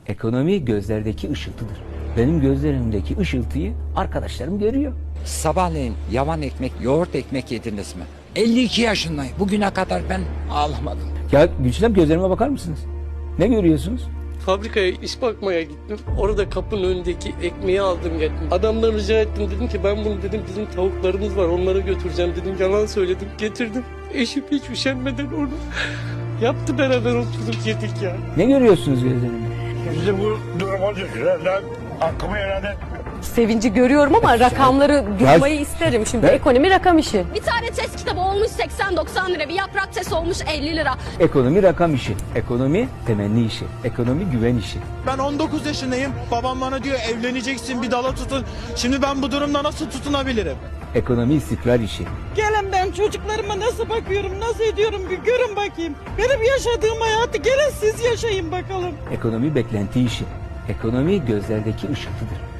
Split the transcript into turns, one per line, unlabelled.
Ekonomi gözlerdeki ışıltıdır. Benim gözlerimdeki ışıltıyı arkadaşlarım görüyor.
Sabahleyin yavan ekmek, yoğurt ekmek yediniz mi? 52 yaşındayım. Bugüne kadar ben ağlamadım.
Ya Gülçinem, gözlerime bakar mısınız? Ne görüyorsunuz?
Fabrikaya iş bakmaya gittim. Orada kapının önündeki ekmeği aldım geldim. Adamdan rica ettim, dedim ki ben bunu dedim bizim tavuklarımız var onları götüreceğim dedim. Yalan söyledim, getirdim. Eşim hiç üşenmeden onu yaptı, beraber oturduk yedik ya.
Ne görüyorsunuz gözlerimde?
Bizi bu duruma düşürenler hakkımı helal etmiyor.
Sevinci görüyorum ama rakamları duymayı isterim. Şimdi ekonomi rakam işi.
Bir tane test kitabı olmuş 80-90 lira. Bir yaprak test olmuş 50 lira.
Ekonomi rakam işi. Ekonomi temenni işi. Ekonomi güven işi.
Ben 19 yaşındayım. Babam bana diyor evleneceksin, bir dala tutun. Şimdi ben bu durumda nasıl tutunabilirim?
Ekonomi istikrar işi.
Gelin ben çocuklarıma nasıl bakıyorum, nasıl ediyorum bir görün bakayım. Benim yaşadığım hayatı gelin siz yaşayın bakalım.
Ekonomi beklenti işi. Ekonomi gözlerdeki ışıltıdır.